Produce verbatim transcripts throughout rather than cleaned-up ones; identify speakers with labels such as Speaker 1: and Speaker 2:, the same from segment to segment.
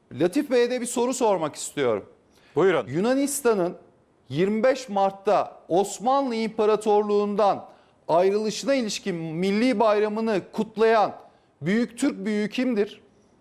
Speaker 1: Latif Bey'e de bir soru sormak istiyorum.
Speaker 2: Buyurun.
Speaker 1: Yunanistan'ın yirmi beş Mart'ta Osmanlı İmparatorluğu'ndan ayrılışına ilişkin milli bayramını kutlayan büyük Türk büyüğü kimdir?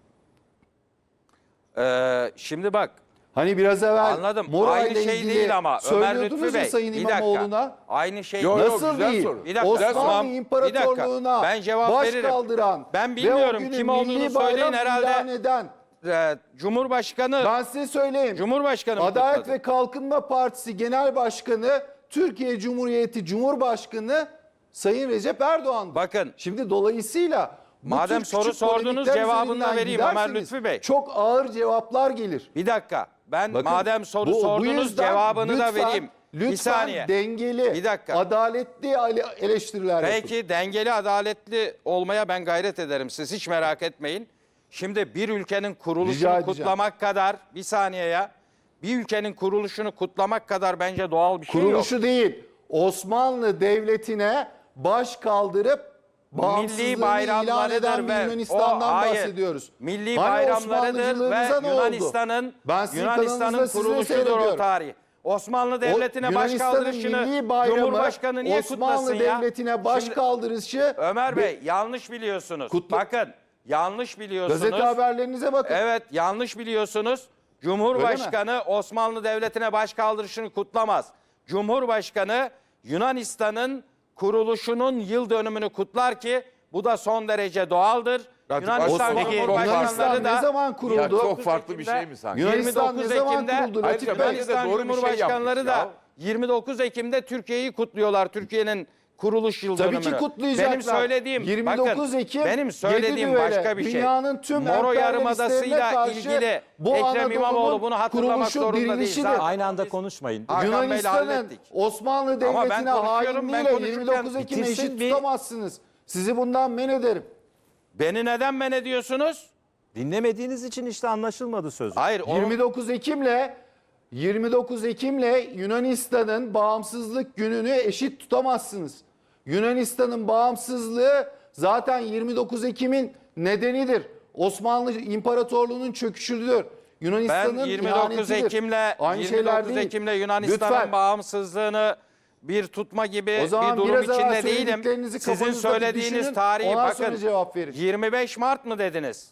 Speaker 3: Ee, şimdi bak.
Speaker 1: Hani biraz evvel
Speaker 3: Anladım.
Speaker 1: Mora
Speaker 3: Aynı
Speaker 1: ile
Speaker 3: şey
Speaker 1: ilgili
Speaker 3: değil ama Ömer
Speaker 1: söylüyordunuz
Speaker 3: Lütfü
Speaker 1: ya
Speaker 3: Bey.
Speaker 1: Sayın
Speaker 3: Bir dakika.
Speaker 1: İmamoğlu'na.
Speaker 3: Aynı şey
Speaker 4: Yo,
Speaker 3: değil.
Speaker 4: yo,
Speaker 1: Nasıl
Speaker 4: güzel
Speaker 1: değil?
Speaker 4: soru.
Speaker 3: Bir dakika,
Speaker 1: Osmanlı
Speaker 3: tamam.
Speaker 1: İmparatorluğu'na
Speaker 3: Bir dakika. Ben cevap
Speaker 1: baş
Speaker 3: veririm.
Speaker 1: kaldıran
Speaker 3: Ben
Speaker 1: ve
Speaker 3: bilmiyorum
Speaker 1: o günü
Speaker 3: kim olduğunu
Speaker 1: milli
Speaker 3: söyleyin
Speaker 1: bayram
Speaker 3: herhalde.
Speaker 1: ilan eden,
Speaker 3: Ee, Cumhurbaşkanı
Speaker 1: ben size söyleyeyim.
Speaker 3: Cumhurbaşkanı mı
Speaker 1: Adalet
Speaker 3: kutladı?
Speaker 1: ve Kalkınma Partisi Genel Başkanı, Türkiye Cumhuriyeti Cumhurbaşkanı Sayın Recep Erdoğan'dır.
Speaker 3: Bakın.
Speaker 1: Şimdi dolayısıyla bu
Speaker 3: Madem
Speaker 1: tür
Speaker 3: soru
Speaker 1: küçük
Speaker 3: sordunuz,
Speaker 1: polemikler
Speaker 3: cevabını da
Speaker 1: üzerinden
Speaker 3: vereyim Ömer
Speaker 1: giderseniz
Speaker 3: Lütfü Bey.
Speaker 1: çok ağır cevaplar gelir.
Speaker 3: Bir dakika. Ben
Speaker 1: Bakın,
Speaker 3: madem soru
Speaker 1: bu- bu
Speaker 3: sordunuz
Speaker 1: yüzden
Speaker 3: cevabını
Speaker 1: lütfen,
Speaker 3: da vereyim.
Speaker 1: Lütfen
Speaker 3: bir saniye.
Speaker 1: dengeli,
Speaker 3: Bir dakika.
Speaker 1: adaletli eleştiriler yapın.
Speaker 3: Peki dengeli, adaletli olmaya ben gayret ederim. Siz hiç merak etmeyin. Şimdi bir ülkenin
Speaker 1: Rica
Speaker 3: kuruluşunu
Speaker 1: edeceğim.
Speaker 3: kutlamak kadar, bir saniye ya. Bir ülkenin kuruluşunu kutlamak kadar bence doğal bir şey yok.
Speaker 1: Kuruluşu değil, Osmanlı Devleti'ne baş kaldırıp bağımsızlığını ilan
Speaker 3: bayramlarıdır
Speaker 1: eden bir
Speaker 3: ve
Speaker 1: Yunanistan'dan
Speaker 3: o- hayır,
Speaker 1: bahsediyoruz.
Speaker 3: milli
Speaker 1: Hani
Speaker 3: bayramlarıdır
Speaker 1: Osmanlıcılığınıza ne
Speaker 3: ve
Speaker 1: oldu?
Speaker 3: Yunanistan'ın
Speaker 1: Ben sizin
Speaker 3: Yunanistan'ın
Speaker 1: kanalınızda sizi
Speaker 3: kuruluşudur o
Speaker 1: seyrediyorum.
Speaker 3: tarih. Osmanlı Devleti'ne baş
Speaker 1: Yunanistan'ın
Speaker 3: kaldırışını
Speaker 1: milli bayramı,
Speaker 3: Cumhurbaşkanı niye
Speaker 1: Osmanlı
Speaker 3: kutlasın ya?
Speaker 1: Devleti'ne baş
Speaker 3: Şimdi,
Speaker 1: kaldırışı...
Speaker 3: Ömer Bey yanlış biliyorsunuz.
Speaker 1: Kutlu-
Speaker 3: Bakın yanlış biliyorsunuz.
Speaker 1: Gazete haberlerinize bakın.
Speaker 3: Evet yanlış biliyorsunuz. Cumhurbaşkanı Osmanlı Devleti'ne baş kaldırışını kutlamaz. Cumhurbaşkanı Yunanistan'ın kuruluşunun yıl dönümünü kutlar ki bu da son derece doğaldır.
Speaker 4: Ya,
Speaker 3: Yunanistan
Speaker 4: Osmanlı-
Speaker 3: Cumhurbaşkanları
Speaker 1: Yunanistan
Speaker 3: da
Speaker 1: ne zaman kuruldu?
Speaker 4: Ya çok farklı bir şey mi sanki?
Speaker 1: Yunanistan ne
Speaker 3: yirmi dokuz
Speaker 1: zaman
Speaker 3: Ekim'de
Speaker 1: kuruldu? Latif
Speaker 4: Ayrıca
Speaker 1: Bey?
Speaker 4: bence de
Speaker 3: Yunanistan
Speaker 4: doğru bir şey
Speaker 3: Cumhurbaşkanları
Speaker 4: yapmış
Speaker 3: da
Speaker 4: ya.
Speaker 3: yirmi dokuz Ekim'de Türkiye'yi kutluyorlar. Türkiye'nin kuruluş yıl
Speaker 1: Tabii
Speaker 3: dönümünü.
Speaker 1: ki kutlayacaklar.
Speaker 3: Benim söylediğim
Speaker 1: yirmi dokuz
Speaker 3: bakın,
Speaker 1: Ekim
Speaker 3: benim söylediğim
Speaker 1: yedi
Speaker 3: başka
Speaker 1: düvele,
Speaker 3: bir şey.
Speaker 1: dünyanın tüm
Speaker 3: Moro
Speaker 1: emperyalistlerine
Speaker 3: Yarımadası'yla
Speaker 1: karşı
Speaker 3: ilgili
Speaker 1: bu
Speaker 3: Ekrem
Speaker 1: Anadolu'nun
Speaker 3: İmamoğlu bunu hatırlamak
Speaker 1: kuruluşu,
Speaker 3: zorunda değil.
Speaker 1: dirilişidir.
Speaker 3: Zaten
Speaker 2: Aynı anda
Speaker 3: biz-
Speaker 2: konuşmayın.
Speaker 3: Hakan Bey'le
Speaker 1: Yunanistan'ın
Speaker 3: hallettik.
Speaker 1: Osmanlı
Speaker 3: Ama ben
Speaker 1: Devleti'ne
Speaker 3: konuşuyorum, ben
Speaker 1: hainliğiyle
Speaker 3: konuşurken
Speaker 1: yirmi dokuz Ekim'e
Speaker 2: bitirsin
Speaker 1: eşit
Speaker 2: bir-
Speaker 1: tutamazsınız. Sizi bundan men ederim.
Speaker 3: Beni neden men ediyorsunuz?
Speaker 2: Dinlemediğiniz için işte anlaşılmadı söz.
Speaker 3: Hayır. o-
Speaker 1: yirmi dokuz Ekim'le yirmi dokuz Ekim'le Yunanistan'ın bağımsızlık gününü eşit tutamazsınız. Yunanistan'ın bağımsızlığı zaten yirmi dokuz Ekim'in nedenidir. Osmanlı İmparatorluğu'nun çöküşüdür.
Speaker 3: Ben
Speaker 1: Yunanistan'ın
Speaker 3: yirmi dokuz
Speaker 1: ihanetidir.
Speaker 3: Ekim'le
Speaker 1: Aynı
Speaker 3: yirmi
Speaker 1: şeyler
Speaker 3: dokuz
Speaker 1: değil.
Speaker 3: Ekim'le Yunanistan'ın
Speaker 1: Lütfen.
Speaker 3: bağımsızlığını bir tutma gibi
Speaker 1: O zaman
Speaker 3: bir durum
Speaker 1: biraz evvel
Speaker 3: içinde değilim.
Speaker 1: söylediklerinizi
Speaker 3: Sizin
Speaker 1: kafanızda
Speaker 3: söylediğiniz
Speaker 1: düşünün,
Speaker 3: tarihi
Speaker 1: ondan
Speaker 3: bakın.
Speaker 1: sonra cevap verin.
Speaker 3: yirmi beş Mart mı dediniz?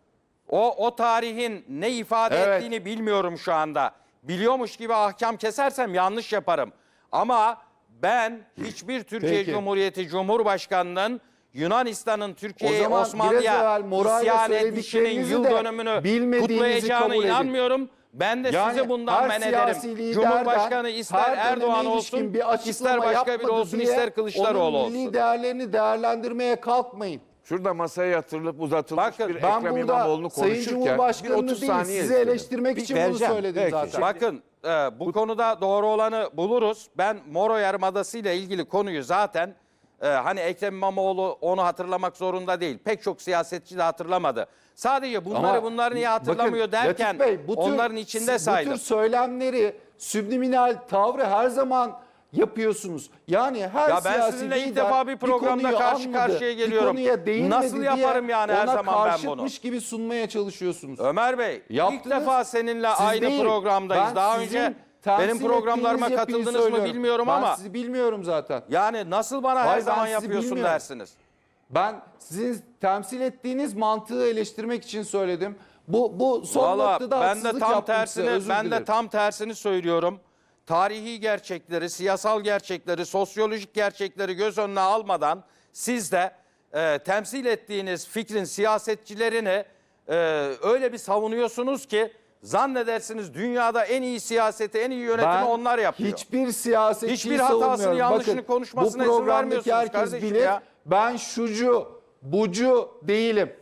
Speaker 3: O o tarihin ne ifade
Speaker 1: Evet.
Speaker 3: ettiğini bilmiyorum şu anda. Biliyormuş gibi ahkam kesersem yanlış yaparım. Ama ben hiçbir Türkiye
Speaker 1: Peki.
Speaker 3: Cumhuriyeti Cumhurbaşkanı'nın Yunanistan'ın
Speaker 1: O
Speaker 3: Türkiye'ye
Speaker 1: zaman biraz
Speaker 3: Osmanlı'ya
Speaker 1: evvel Moray'la
Speaker 3: isyan edişinin
Speaker 1: söylediklerinizi
Speaker 3: yıl
Speaker 1: de
Speaker 3: dönümünü
Speaker 1: bilmediğinizi
Speaker 3: kutlayacağına
Speaker 1: kabul edin.
Speaker 3: inanmıyorum. Ben de
Speaker 1: Yani
Speaker 3: sizi bundan
Speaker 1: her
Speaker 3: men
Speaker 1: siyasi
Speaker 3: ederim.
Speaker 1: liderden
Speaker 3: Cumhurbaşkanı ister
Speaker 1: her döneme
Speaker 3: Erdoğan
Speaker 1: ilişkin
Speaker 3: olsun,
Speaker 1: bir açıklama
Speaker 3: ister başka biri
Speaker 1: yapmadı
Speaker 3: olsun,
Speaker 1: diye
Speaker 3: ister Kılıçdaroğlu
Speaker 1: onun milli
Speaker 3: olsun.
Speaker 1: değerlerini değerlendirmeye kalkmayın.
Speaker 4: Şurada masaya yatırılıp uzatılmış
Speaker 3: Bakın,
Speaker 4: bir
Speaker 1: Ben
Speaker 4: Ekrem
Speaker 1: burada
Speaker 4: İmamoğlu'nu
Speaker 1: Sayın
Speaker 4: konuşurken bir
Speaker 1: Cumhurbaşkanı'nı
Speaker 4: otuz
Speaker 1: değil
Speaker 4: saniye
Speaker 1: sizi
Speaker 4: istedim.
Speaker 1: eleştirmek
Speaker 2: Bir
Speaker 1: için bunu
Speaker 2: vereceğim.
Speaker 1: söyledim
Speaker 4: Peki.
Speaker 1: zaten.
Speaker 3: Bakın e, bu konuda doğru olanı buluruz. Ben Moro Yarımadası ile ilgili konuyu zaten e, hani Ekrem İmamoğlu onu hatırlamak zorunda değil. Pek çok siyasetçi de hatırlamadı. Sadece bunları
Speaker 1: Ama
Speaker 3: bunları niye
Speaker 1: bakın,
Speaker 3: hatırlamıyor derken
Speaker 1: Latif Bey, bu tür-
Speaker 3: onların içinde
Speaker 1: Bu
Speaker 3: saydım.
Speaker 1: tür söylemleri, subliminal tavrı her zaman yapıyorsunuz. Yani her
Speaker 3: Ya ben
Speaker 1: siyasi
Speaker 3: sizinle ilk
Speaker 1: lider
Speaker 3: defa bir programda
Speaker 1: konuyu
Speaker 3: karşı
Speaker 1: anladı,
Speaker 3: karşıya geliyorum.
Speaker 1: Bir konuya değinmedi
Speaker 3: Nasıl
Speaker 1: diye
Speaker 3: yaparım yani her
Speaker 1: ona
Speaker 3: zaman ben bunu?
Speaker 1: karşıtmış gibi sunmaya çalışıyorsunuz.
Speaker 3: Ömer Bey ilk
Speaker 1: Yaptınız.
Speaker 3: defa seninle
Speaker 1: Siz
Speaker 3: aynı
Speaker 1: değil.
Speaker 3: programdayız.
Speaker 1: Ben
Speaker 3: Daha
Speaker 1: sizin
Speaker 3: önce
Speaker 1: temsil
Speaker 3: benim programlarıma
Speaker 1: ettiğiniz yapıyı
Speaker 3: katıldınız mı
Speaker 1: söylüyorum.
Speaker 3: bilmiyorum
Speaker 1: ben
Speaker 3: ama
Speaker 1: Ben sizi bilmiyorum zaten.
Speaker 3: yani nasıl bana her
Speaker 1: Hayır, ben
Speaker 3: zaman
Speaker 1: sizi
Speaker 3: yapıyorsun
Speaker 1: bilmiyorum.
Speaker 3: dersiniz.
Speaker 1: Ben sizin temsil ettiğiniz mantığı eleştirmek için söyledim. Bu bu son
Speaker 3: Valla
Speaker 1: noktada
Speaker 3: ben de
Speaker 1: haksızlık
Speaker 3: tam
Speaker 1: yaptım size,
Speaker 3: tersini
Speaker 1: özür
Speaker 3: ben de
Speaker 1: dilerim.
Speaker 3: tam tersini söylüyorum. Tarihi gerçekleri, siyasal gerçekleri, sosyolojik gerçekleri göz önüne almadan siz de e, temsil ettiğiniz fikrin siyasetçilerini e, öyle bir savunuyorsunuz ki zannedersiniz dünyada en iyi siyaseti, en iyi yönetimi
Speaker 1: Ben
Speaker 3: onlar yapıyor.
Speaker 1: hiçbir siyasetçiyi
Speaker 3: Hiçbir hatasını,
Speaker 1: savunmuyorum.
Speaker 3: yanlışını
Speaker 1: Bakın,
Speaker 3: konuşmasına
Speaker 1: bu
Speaker 3: izin
Speaker 1: programdaki
Speaker 3: vermiyorsunuz
Speaker 1: herkes
Speaker 3: kardeşim
Speaker 1: bilir.
Speaker 3: ya.
Speaker 1: Ben şucu, bucu değilim.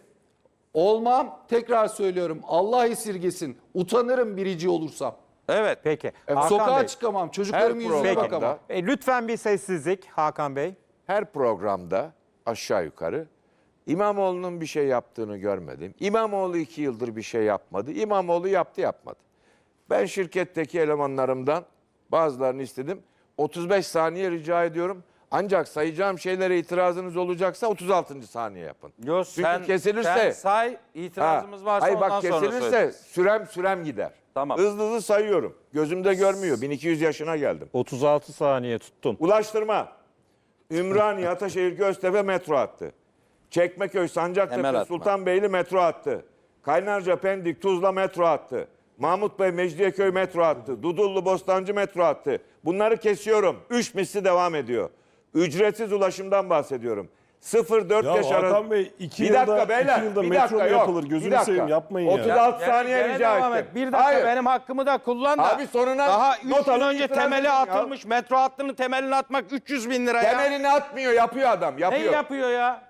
Speaker 1: Olmam, tekrar söylüyorum. Allah esirgesin. Utanırım birici olursam.
Speaker 3: Evet.
Speaker 2: Peki. Hakan
Speaker 1: Sokağa
Speaker 2: Bey,
Speaker 1: çıkamam. Çocuklarımın
Speaker 4: Her
Speaker 1: yüzüne
Speaker 4: programda-
Speaker 1: bakamam.
Speaker 2: e, lütfen bir sessizlik Hakan Bey.
Speaker 4: Her programda aşağı yukarı İmamoğlu'nun bir şey yaptığını görmedim. İmamoğlu iki yıldır bir şey yapmadı. İmamoğlu yaptı yapmadı. Ben şirketteki elemanlarımdan bazılarını istedim. otuz beş saniye rica ediyorum. Ancak sayacağım şeylere itirazınız olacaksa otuz altıncı saniye yapın.
Speaker 3: Yo,
Speaker 4: Çünkü
Speaker 3: sen,
Speaker 4: kesilirse...
Speaker 3: sen say, itirazımız
Speaker 4: Ha,
Speaker 3: varsa
Speaker 4: hayır
Speaker 3: ondan
Speaker 4: bak
Speaker 3: sonra
Speaker 4: kesilirse
Speaker 3: söyleriz.
Speaker 4: sürem sürem gider.
Speaker 3: Tamam.
Speaker 4: Hızlı hızlı sayıyorum. Gözümde görmüyor. bin iki yüz yaşına geldim.
Speaker 2: otuz altı saniye tuttun.
Speaker 4: Ulaştırma. Ümraniye, Ataşehir, Göztepe metro hattı. Çekmeköy,
Speaker 3: Temel
Speaker 4: Sancaktepe,
Speaker 3: atma.
Speaker 4: Sultanbeyli metro hattı. Kaynarca, Pendik, Tuzla metro hattı. Mahmut Bey, Mecidiyeköy metro hattı. Dudullu, Bostancı metro hattı. Bunları kesiyorum. Üç misli devam ediyor. Ücretsiz ulaşımdan bahsediyorum. sıfır dört
Speaker 5: Ya
Speaker 4: yaş arası.
Speaker 5: Hakan Bey, iki
Speaker 4: bir
Speaker 5: yılda-
Speaker 4: dakika beyler.
Speaker 5: iki yılda
Speaker 4: bir
Speaker 5: metro
Speaker 4: dakika
Speaker 5: mu
Speaker 4: yok.
Speaker 5: yapılır? Gözünü
Speaker 4: Bir dakika.
Speaker 5: seveyim, yapmayın ya.
Speaker 4: otuz altı
Speaker 3: Gene-
Speaker 4: saniye
Speaker 3: gene
Speaker 4: rica
Speaker 3: devam
Speaker 4: ettim.
Speaker 3: et. Bir dakika
Speaker 4: Hayır.
Speaker 3: benim hakkımı da kullan da.
Speaker 4: Abi sonuna
Speaker 3: Daha üç
Speaker 4: not
Speaker 3: yıl
Speaker 4: alın,
Speaker 3: önce
Speaker 4: itiraz
Speaker 3: temeli
Speaker 4: edin ya.
Speaker 3: atılmış metro hattının temelini atmak üç yüz bin lira ya.
Speaker 4: Temelini atmıyor, yapıyor adam.
Speaker 3: Ne
Speaker 4: Yapıyor.
Speaker 3: yapıyor ya?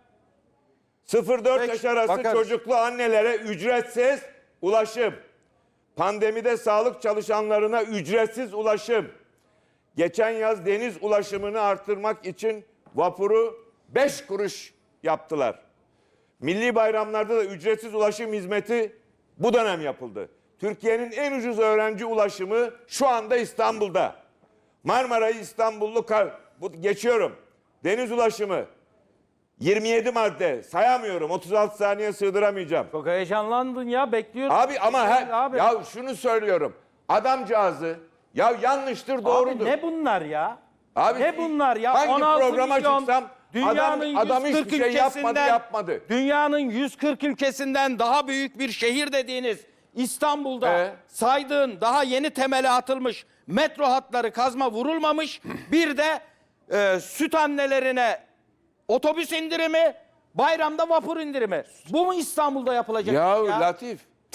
Speaker 4: sıfır dört
Speaker 3: Peki,
Speaker 4: yaş arası
Speaker 3: bakarız.
Speaker 4: çocuklu annelere ücretsiz ulaşım. Pandemide sağlık çalışanlarına ücretsiz ulaşım. Geçen yaz deniz ulaşımını artırmak için vapuru beş kuruş yaptılar. Milli bayramlarda da ücretsiz ulaşım hizmeti bu dönem yapıldı. Türkiye'nin en ucuz öğrenci ulaşımı şu anda İstanbul'da. Marmara'yı İstanbullu kar, bu, geçiyorum. Deniz ulaşımı yirmi yedi madde sayamıyorum. otuz altı saniye sığdıramayacağım.
Speaker 3: Çok heyecanlandın ya, bekliyorum.
Speaker 4: Abi ama her,
Speaker 3: Abi.
Speaker 4: ya şunu söylüyorum. Adamcağızı ya yanlıştır doğrudur.
Speaker 3: Abi ne bunlar ya?
Speaker 4: Abi,
Speaker 3: ne bunlar ya?
Speaker 4: hangi
Speaker 3: on altı
Speaker 4: programa
Speaker 3: milyon,
Speaker 4: çıksam
Speaker 3: dünyanın
Speaker 4: adam, adam
Speaker 3: yüz kırk
Speaker 4: hiçbir şey yapmadı
Speaker 3: ülkesinden-
Speaker 4: yapmadı.
Speaker 3: Dünyanın yüz kırk ülkesinden daha büyük bir şehir dediğiniz İstanbul'da
Speaker 4: Ee?
Speaker 3: saydığın daha yeni temeli atılmış metro hatları kazma vurulmamış. Bir de e, süt annelerine otobüs indirimi, bayramda vapur indirimi. Bu mu İstanbul'da yapılacak?
Speaker 4: Ya,
Speaker 3: iş ya?
Speaker 4: Latif.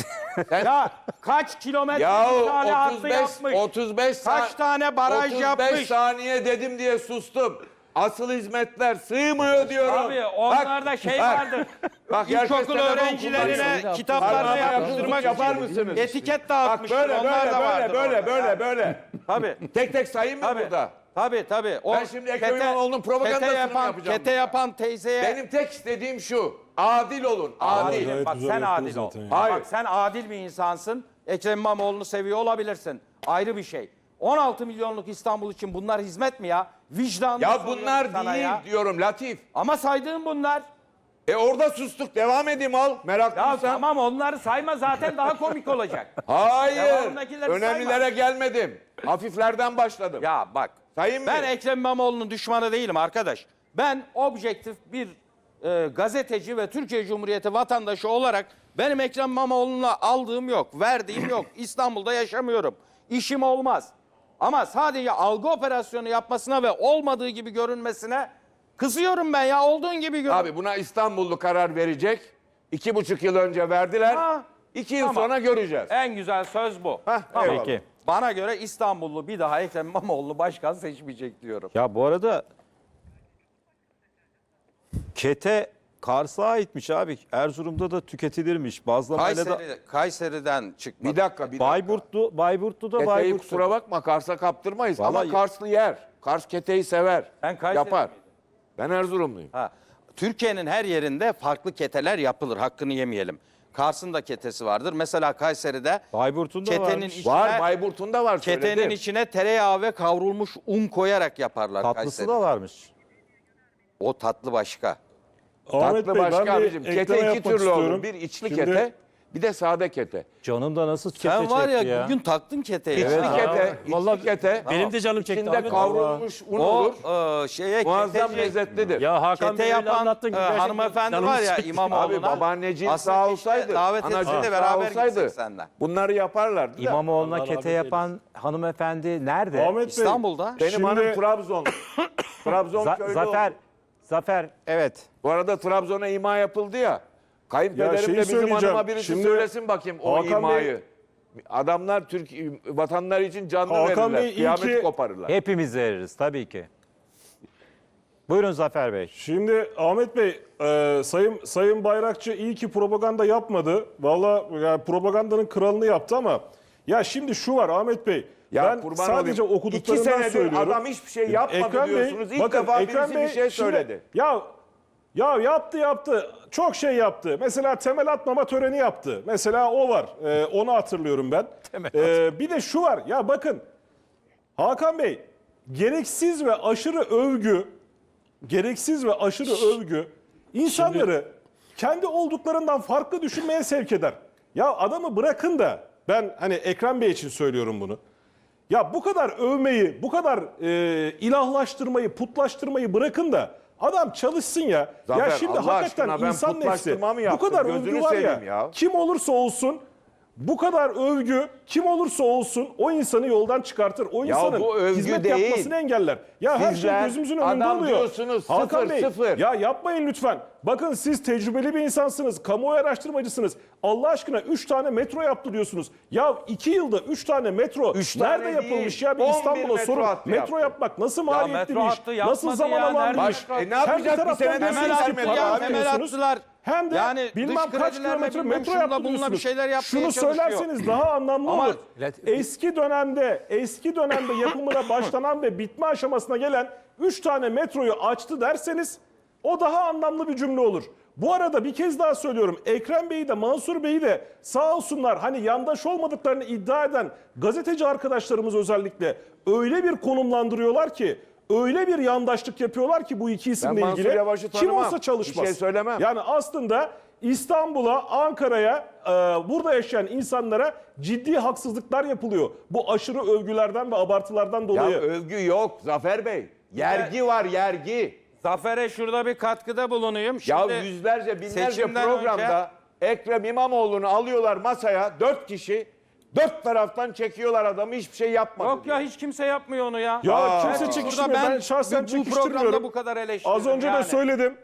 Speaker 3: Ya kaç kilometre
Speaker 4: Ya
Speaker 3: bir tane hattı
Speaker 4: otuz beş
Speaker 3: yapmış?
Speaker 4: otuz beş
Speaker 3: Kaç
Speaker 4: sa-
Speaker 3: tane baraj
Speaker 4: otuz beş
Speaker 3: yapmış?
Speaker 4: saniye dedim diye sustum. Asıl hizmetler sığmıyor diyorum.
Speaker 3: Abi onlarda
Speaker 4: Bak,
Speaker 3: şey
Speaker 4: bak.
Speaker 3: vardır.
Speaker 4: Bak, herkes
Speaker 3: İlkokul
Speaker 4: telefon
Speaker 3: öğrencilerine
Speaker 4: kullanıyor.
Speaker 3: kitaplarla
Speaker 4: Parmağına
Speaker 3: yapıştırmak
Speaker 4: yapar
Speaker 3: için
Speaker 4: mısınız?
Speaker 3: etiket
Speaker 4: Bak
Speaker 3: dağıtmışlar.
Speaker 4: böyle
Speaker 3: Onlar
Speaker 4: böyle
Speaker 3: da
Speaker 4: böyle
Speaker 3: vardır
Speaker 4: böyle
Speaker 3: orada.
Speaker 4: böyle böyle.
Speaker 3: Tabii.
Speaker 4: Tek tek sayayım mı
Speaker 3: Tabii.
Speaker 4: burada?
Speaker 3: Tabii tabii. O
Speaker 4: Ben şimdi Ekrem
Speaker 3: kete-
Speaker 4: İmamoğlu'nun propagandasını
Speaker 3: kete
Speaker 4: mı
Speaker 3: yapan,
Speaker 4: yapacağım
Speaker 3: Kete
Speaker 4: burada?
Speaker 3: yapan teyzeye...
Speaker 4: Benim tek istediğim şu. Adil olun. Adil.
Speaker 3: Adil.
Speaker 5: Gayet
Speaker 3: Bak
Speaker 5: güzel
Speaker 3: sen
Speaker 5: yaptınız
Speaker 3: adil ol.
Speaker 5: zaten ya.
Speaker 4: Hayır.
Speaker 3: Bak sen adil bir insansın. Ekrem İmamoğlu'nu seviyor olabilirsin. Ayrı bir şey. on altı milyonluk İstanbul için bunlar hizmet mi ya? Vicdanını
Speaker 4: Ya
Speaker 3: soruyorum
Speaker 4: bunlar
Speaker 3: sana
Speaker 4: değil
Speaker 3: ya.
Speaker 4: diyorum Latif.
Speaker 3: Ama saydığın bunlar.
Speaker 4: E orada sustuk. Devam edeyim al.
Speaker 3: Ya
Speaker 4: Meraklıysan.
Speaker 3: tamam onları sayma zaten daha komik olacak.
Speaker 4: Hayır.
Speaker 3: Devamındakileri
Speaker 4: Önemlilere
Speaker 3: sayma.
Speaker 4: gelmedim. Hafiflerden başladım.
Speaker 3: Ya bak.
Speaker 4: Sayayım mı?
Speaker 3: Ben Ekrem İmamoğlu'nun düşmanı değilim arkadaş. Ben objektif bir e, gazeteci ve Türkiye Cumhuriyeti vatandaşı olarak benim Ekrem İmamoğlu'na aldığım yok, verdiğim yok. İstanbul'da yaşamıyorum. İşim olmaz. Ama sadece algı operasyonu yapmasına ve olmadığı gibi görünmesine kızıyorum ben ya. Olduğun gibi görün.
Speaker 4: Abi buna İstanbullu karar verecek. İki buçuk yıl önce verdiler.
Speaker 3: Ha,
Speaker 4: İki yıl
Speaker 3: tamam.
Speaker 4: sonra göreceğiz.
Speaker 3: En güzel söz bu.
Speaker 4: Hah,
Speaker 3: Tamam.
Speaker 4: eyvallah.
Speaker 2: Peki.
Speaker 3: Bana göre İstanbullu bir daha Ekrem İmamoğlu başkan seçmeyecek diyorum.
Speaker 2: Ya bu arada kete Kars'a aitmiş abi. Erzurum'da da tüketilirmiş. Bazlamayla da
Speaker 3: Kayseri, Kayseri'den çıkmadı.
Speaker 4: Bir dakika bir dakika.
Speaker 2: Bayburtlu, Bayburtlu'da
Speaker 4: Keteyi
Speaker 2: Bayburtlu.
Speaker 4: kusura bakma Kars'a kaptırmayız.
Speaker 2: Vallahi-
Speaker 4: Ama Karslı yer. Kars keteyi sever.
Speaker 3: Ben Kayseri
Speaker 4: Yapar.
Speaker 3: miydim?
Speaker 4: Ben Erzurumluyum.
Speaker 3: Ha. Türkiye'nin her yerinde farklı keteler yapılır. Hakkını yemeyelim. Kars'ın da ketesi vardır. Mesela Kayseri'de
Speaker 2: Bayburt'un da
Speaker 3: ketenin
Speaker 2: varmış.
Speaker 3: içine,
Speaker 4: Var Bayburt'un da var
Speaker 3: ketenin
Speaker 4: söyledim.
Speaker 3: içine tereyağı ve kavrulmuş un koyarak yaparlar
Speaker 2: Tatlısı
Speaker 3: Kayseri'de.
Speaker 2: da varmış.
Speaker 3: O tatlı başka.
Speaker 5: Ahmet
Speaker 4: Tatlı
Speaker 5: Bey,
Speaker 4: başka
Speaker 5: ben bir
Speaker 4: abicim. Kete
Speaker 5: ekleme
Speaker 4: iki
Speaker 5: yapmak
Speaker 4: türlü olur.
Speaker 5: istiyorum.
Speaker 4: Bir içli
Speaker 5: Şimdi-
Speaker 4: kete, bir de sade kete.
Speaker 2: Canım da nasıl kete
Speaker 3: Sen var ya,
Speaker 2: çekti ya.
Speaker 3: bugün taktın keteyi.
Speaker 4: İçli
Speaker 3: Ha.
Speaker 4: kete,
Speaker 6: Vallahi
Speaker 4: içli kete.
Speaker 6: benim de canım çekti
Speaker 4: İçinde
Speaker 6: abi.
Speaker 4: kavrulmuş un
Speaker 3: O
Speaker 4: olur.
Speaker 3: e, şeye
Speaker 4: Muazzam
Speaker 3: keteci-
Speaker 4: lezzetlidir.
Speaker 6: Ya Hakan
Speaker 3: Kete
Speaker 6: Bey öyle
Speaker 3: yapan
Speaker 6: anlattın
Speaker 3: e,
Speaker 6: ki gerçekten
Speaker 3: hanımefendi
Speaker 6: canımız
Speaker 3: var ya
Speaker 6: çekti.
Speaker 3: İmamoğlu'na.
Speaker 4: Abi babaanneciğin
Speaker 3: aslında
Speaker 4: sağ
Speaker 3: işte
Speaker 4: olsaydı,
Speaker 3: davet etse
Speaker 4: anacığın
Speaker 3: de
Speaker 4: sağ
Speaker 3: beraber
Speaker 4: olsaydı
Speaker 3: gitsek seninle.
Speaker 4: bunları yaparlardı da.
Speaker 2: İmamoğlu'na
Speaker 6: Allah
Speaker 2: kete
Speaker 6: rahmet
Speaker 2: yapan hanımefendi nerede?
Speaker 5: Ahmet Bey,
Speaker 3: İstanbul'da.
Speaker 4: Benim
Speaker 5: Şimdi-
Speaker 4: hanım Trabzon. Trabzon
Speaker 2: Za-
Speaker 4: köylü
Speaker 2: Zafer,
Speaker 4: oldu.
Speaker 2: Zafer evet.
Speaker 4: Bu arada Trabzon'a ima yapıldı ya. Kayınpederim
Speaker 5: Ya şeyi
Speaker 4: de bizim
Speaker 5: söyleyeceğim.
Speaker 4: hanıma birisi
Speaker 5: Şimdi
Speaker 4: söylesin bakayım o
Speaker 5: Hakan
Speaker 4: imayı. Adamlar Türk vatanları için canlı
Speaker 5: Hakan
Speaker 4: verirler.
Speaker 5: Bey, iyi
Speaker 4: Kıyameti
Speaker 5: ki-
Speaker 4: koparırlar.
Speaker 2: Hepimiz veririz tabii ki. Buyurun Zafer Bey.
Speaker 5: Şimdi Ahmet Bey, e, Sayın Sayın Bayrakçı iyi ki propaganda yapmadı. Valla yani propagandanın kralını yaptı ama ya şimdi şu var Ahmet Bey.
Speaker 4: Ya
Speaker 5: ben
Speaker 4: kurban
Speaker 5: sadece
Speaker 4: olayım.
Speaker 5: okuduklarından
Speaker 4: İki senedir
Speaker 5: söylüyorum.
Speaker 4: adam hiçbir şey yapmadı
Speaker 5: Ekrem Bey,
Speaker 4: diyorsunuz. İlk
Speaker 5: bakın,
Speaker 4: defa
Speaker 5: Ekrem
Speaker 4: birisi
Speaker 5: Bey
Speaker 4: bir şey
Speaker 5: şimdi-
Speaker 4: söyledi.
Speaker 5: Ya ya yaptı yaptı. Çok şey yaptı. Mesela temel atmama töreni yaptı. Mesela o var. Ee, onu hatırlıyorum ben. Ee, bir de şu var. Ya bakın Hakan Bey gereksiz ve aşırı övgü gereksiz ve aşırı övgü insanları kendi olduklarından farklı düşünmeye sevk eder. Ya adamı bırakın da, ben hani Ekrem Bey için söylüyorum bunu. Ya bu kadar övmeyi, bu kadar e, ilahlaştırmayı, putlaştırmayı bırakın da adam çalışsın ya.
Speaker 4: Zafer,
Speaker 5: ya şimdi
Speaker 4: Allah
Speaker 5: hakikaten
Speaker 4: aşkına ben
Speaker 5: insan nefsi
Speaker 4: putlaştırma mı
Speaker 5: bu
Speaker 4: yaptım?
Speaker 5: kadar
Speaker 4: Gözünü
Speaker 5: övgü var ya,
Speaker 4: seveyim ya.
Speaker 5: kim olursa olsun bu kadar övgü kim olursa olsun o insanı yoldan çıkartır. O insanın
Speaker 4: bu övgü
Speaker 5: hizmet
Speaker 4: değil.
Speaker 5: yapmasını engeller. Ya her şey
Speaker 4: Sizler
Speaker 5: gözümüzün önünde
Speaker 4: adam
Speaker 5: oluyor.
Speaker 4: diyorsunuz,
Speaker 5: Hakan
Speaker 4: sıfır,
Speaker 5: Bey,
Speaker 4: sıfır.
Speaker 5: ya yapmayın lütfen. Bakın siz tecrübeli bir insansınız. Kamuoyu araştırmacısınız. Allah aşkına üç tane metro yaptırıyorsunuz. Ya iki yılda üç tane metro
Speaker 4: Üç
Speaker 5: nerede
Speaker 4: tane
Speaker 5: yapılmış
Speaker 4: değil,
Speaker 5: ya? Bir
Speaker 4: on bir
Speaker 5: İstanbul'a
Speaker 4: metro
Speaker 5: sorun.
Speaker 4: hattı
Speaker 5: Metro
Speaker 4: yaptı.
Speaker 5: yapmak nasıl maliyetli
Speaker 3: metro
Speaker 5: bir iş?
Speaker 3: hattı yapmadı
Speaker 5: Nasıl zaman
Speaker 3: ya,
Speaker 5: alan bir
Speaker 3: nerede?
Speaker 5: iş?
Speaker 4: Baş- e, ne
Speaker 5: Hem bir
Speaker 4: yapacak? Bir
Speaker 5: taraftan
Speaker 4: senede
Speaker 5: diyorsunuz
Speaker 3: temel
Speaker 5: ki
Speaker 3: attılar
Speaker 5: para
Speaker 3: ya,
Speaker 5: harcıyorsunuz.
Speaker 3: temel attılar.
Speaker 5: Hem de
Speaker 3: Yani
Speaker 5: bilmem
Speaker 3: dış
Speaker 5: kaç
Speaker 3: kredilerle
Speaker 5: kilometre
Speaker 3: bilmem
Speaker 5: metro
Speaker 3: şunla bununla bir
Speaker 5: yaptırıyorsunuz.
Speaker 3: şeyler yapmaya
Speaker 5: Şunu
Speaker 3: çalışıyor.
Speaker 5: söylerseniz daha anlamlı
Speaker 3: Ama-
Speaker 5: olur. Eski dönemde, eski dönemde yapımına başlanan ve bitme aşamasına gelen üç tane metroyu açtı derseniz o daha anlamlı bir cümle olur. Bu arada bir kez daha söylüyorum. Ekrem Bey'i de Mansur Bey'i de sağ olsunlar hani yandaş olmadıklarını iddia eden gazeteci arkadaşlarımız özellikle öyle bir konumlandırıyorlar ki, öyle bir yandaşlık yapıyorlar ki bu iki isimle
Speaker 4: Mansur
Speaker 5: ilgili
Speaker 4: Yavaş'ı
Speaker 5: kim
Speaker 4: tanımam.
Speaker 5: olsa çalışmaz.
Speaker 4: Bir şey söylemem.
Speaker 5: Yani aslında İstanbul'a, Ankara'ya, e, burada yaşayan insanlara ciddi haksızlıklar yapılıyor. Bu aşırı övgülerden ve abartılardan
Speaker 4: Ya
Speaker 5: dolayı.
Speaker 4: övgü yok Zafer Bey. Yergi var yergi.
Speaker 3: Zafer'e şurada bir katkıda bulunayım.
Speaker 4: Ya
Speaker 3: Şimdi
Speaker 4: yüzlerce binlerce
Speaker 3: seçimden
Speaker 4: programda Ekrem İmamoğlu'nu alıyorlar masaya dört kişi. Dört taraftan çekiyorlar adamı hiçbir şey yapmadı.
Speaker 3: Yok ya
Speaker 4: diyor.
Speaker 3: hiç kimse yapmıyor onu ya.
Speaker 5: Ya
Speaker 4: Aa.
Speaker 5: kimse
Speaker 3: Burada
Speaker 5: çekiştirmiyor. Ben, şahsen
Speaker 3: bu
Speaker 5: çekiştirmiyorum.
Speaker 3: programda bu kadar eleştirdim.
Speaker 5: Az önce
Speaker 3: yani.
Speaker 5: de söyledim.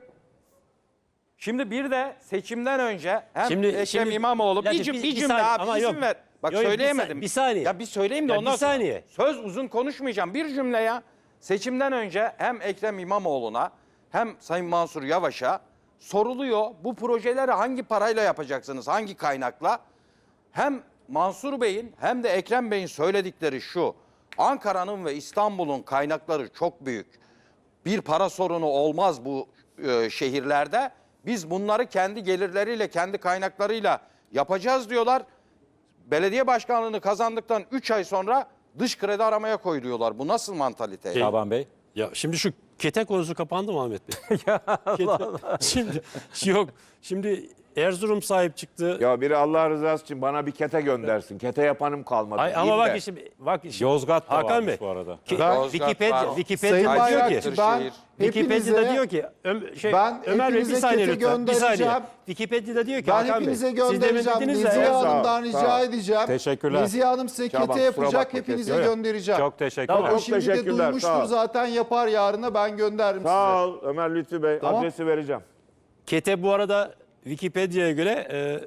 Speaker 3: Şimdi bir de seçimden önce hem
Speaker 6: Şimdi-
Speaker 3: Ekrem
Speaker 6: şimdi-
Speaker 3: İmamoğlu bir,
Speaker 6: Latif,
Speaker 3: cüm-
Speaker 6: bir-
Speaker 3: bir
Speaker 6: bir
Speaker 3: cümle
Speaker 6: saniye,
Speaker 3: abi
Speaker 6: ama
Speaker 3: izin
Speaker 6: yok.
Speaker 3: ver. Bak
Speaker 6: Yok, yok, bir
Speaker 3: söyleyemedim.
Speaker 6: sa- bir saniye.
Speaker 3: Ya bir söyleyeyim de
Speaker 6: Ya
Speaker 3: ondan
Speaker 6: bir
Speaker 3: sonra.
Speaker 6: saniye.
Speaker 3: Söz uzun konuşmayacağım. Bir cümle ya. Seçimden önce hem Ekrem İmamoğlu'na hem Sayın Mansur Yavaş'a soruluyor. Bu projeleri hangi parayla yapacaksınız? Hangi kaynakla? Hem Mansur Bey'in hem de Ekrem Bey'in söyledikleri şu. Ankara'nın ve İstanbul'un kaynakları çok büyük. Bir para sorunu olmaz bu e, şehirlerde. Biz bunları kendi gelirleriyle, kendi kaynaklarıyla yapacağız diyorlar. Belediye başkanlığını kazandıktan üç ay sonra dış kredi aramaya koyuluyorlar. Bu nasıl mantalite?
Speaker 2: Şaban Bey.
Speaker 6: Ya şimdi şu kete konusu kapandı mı Ahmet Bey? ya Allah Allah. Şimdi yok. Şimdi Erzurum sahip çıktı.
Speaker 4: Ya biri Allah rızası için bana bir kete göndersin. Kete yapanım kalmadı.
Speaker 6: Ay, ama
Speaker 4: diyeyim
Speaker 6: bak
Speaker 4: de.
Speaker 6: işte bak işte.
Speaker 2: Yozgat da
Speaker 6: Hakan
Speaker 2: varmış
Speaker 6: Bey.
Speaker 2: bu arada.
Speaker 6: Ki-
Speaker 1: Ben-
Speaker 3: Yozgat
Speaker 6: Wikipedia,
Speaker 3: var.
Speaker 6: Wikipedia
Speaker 1: Sayın
Speaker 6: diyor
Speaker 1: Bayrakçı
Speaker 6: ki
Speaker 1: ben
Speaker 3: şehir.
Speaker 6: Wikipedia'da
Speaker 1: hepinize,
Speaker 6: diyor ki Öm- şey,
Speaker 1: ben
Speaker 6: Ömer Bey bir
Speaker 1: hepinize
Speaker 6: saniye
Speaker 1: kete
Speaker 6: lütfen. Bir saniye.
Speaker 1: göndereceğim.
Speaker 6: Wikipedia'da diyor ki
Speaker 1: ben
Speaker 6: Hakan
Speaker 1: hepinize
Speaker 6: Bey. Siz demin
Speaker 1: göndereceğim.
Speaker 6: dediniz de-
Speaker 1: Nezihe
Speaker 4: Evet, sağ ol,
Speaker 1: Hanım'dan
Speaker 4: sağ
Speaker 1: rica
Speaker 4: ol.
Speaker 1: edeceğim.
Speaker 2: Teşekkürler.
Speaker 1: Nezihe Hanım size
Speaker 4: Şaban,
Speaker 1: kete
Speaker 4: kusura
Speaker 1: yapacak.
Speaker 4: bakma,
Speaker 1: Hepinize
Speaker 4: kesin.
Speaker 1: göndereceğim.
Speaker 2: Çok teşekkürler.
Speaker 1: O
Speaker 4: Çok
Speaker 1: şimdi de
Speaker 4: teşekkürler, sağ
Speaker 1: duymuştur
Speaker 4: ol.
Speaker 1: zaten, yapar yarına, ben gönderirim size.
Speaker 4: Sağ ol Ömer Lütfü Bey.
Speaker 1: Tamam.
Speaker 4: Adresi vereceğim.
Speaker 6: Kete bu arada Wikipedia'ya göre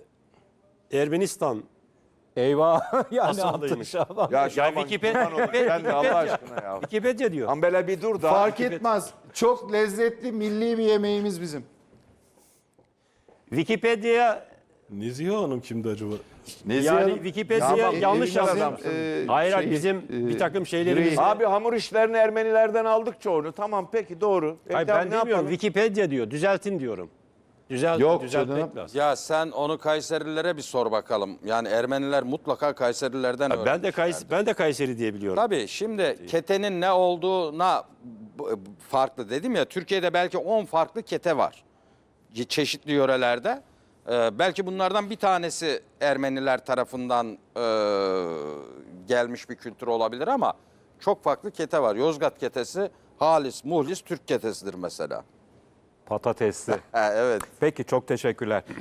Speaker 6: e, Ermenistan
Speaker 2: Eyvah. yani
Speaker 6: Asıldıymış.
Speaker 2: attı Şaban.
Speaker 4: Ya
Speaker 6: ya
Speaker 4: Şaban
Speaker 6: Wikipedia,
Speaker 4: kurban olayım. Sen de Allah aşkına ya.
Speaker 6: Wikipedia diyor.
Speaker 4: Ambele bir dur da.
Speaker 1: Fark etmez. Çok lezzetli milli bir yemeğimiz bizim.
Speaker 6: Wikipedia
Speaker 5: Nezihe Hanım kimdi acaba?
Speaker 6: yani Wikipedia'ya
Speaker 4: Tamam,
Speaker 6: yanlış
Speaker 4: evimizin,
Speaker 6: yazmış.
Speaker 4: adamsın.
Speaker 1: e,
Speaker 6: Hayır hayır
Speaker 1: şey,
Speaker 6: bizim
Speaker 1: e,
Speaker 6: bir takım şeylerimiz.
Speaker 4: Abi hamur işlerini Ermenilerden aldık çoğunu. Tamam peki doğru. E,
Speaker 6: Hayır
Speaker 4: tamam,
Speaker 6: ben
Speaker 4: ne
Speaker 6: demiyorum.
Speaker 4: yapalım?
Speaker 6: Wikipedia diyor. Düzeltin diyorum. Düzelt,
Speaker 1: Yok
Speaker 6: düzeltmek
Speaker 1: canım.
Speaker 6: lazım.
Speaker 3: Ya sen onu Kayserililere bir sor bakalım. Yani Ermeniler mutlaka Kayserilerden
Speaker 6: Ben de
Speaker 3: öğrenmişlerdir.
Speaker 6: Kayseri, ben de Kayseri diye biliyorum.
Speaker 3: Tabii şimdi ketenin ne olduğuna b- farklı dedim ya. Türkiye'de belki on farklı kete var. Ce- Çeşitli yörelerde. Ee, belki bunlardan bir tanesi Ermeniler tarafından e, gelmiş bir kültür olabilir ama çok farklı kete var. Yozgat ketesi halis, muhlis Türk ketesidir mesela.
Speaker 2: Patatesli.
Speaker 3: Ha, evet.
Speaker 2: Peki çok teşekkürler.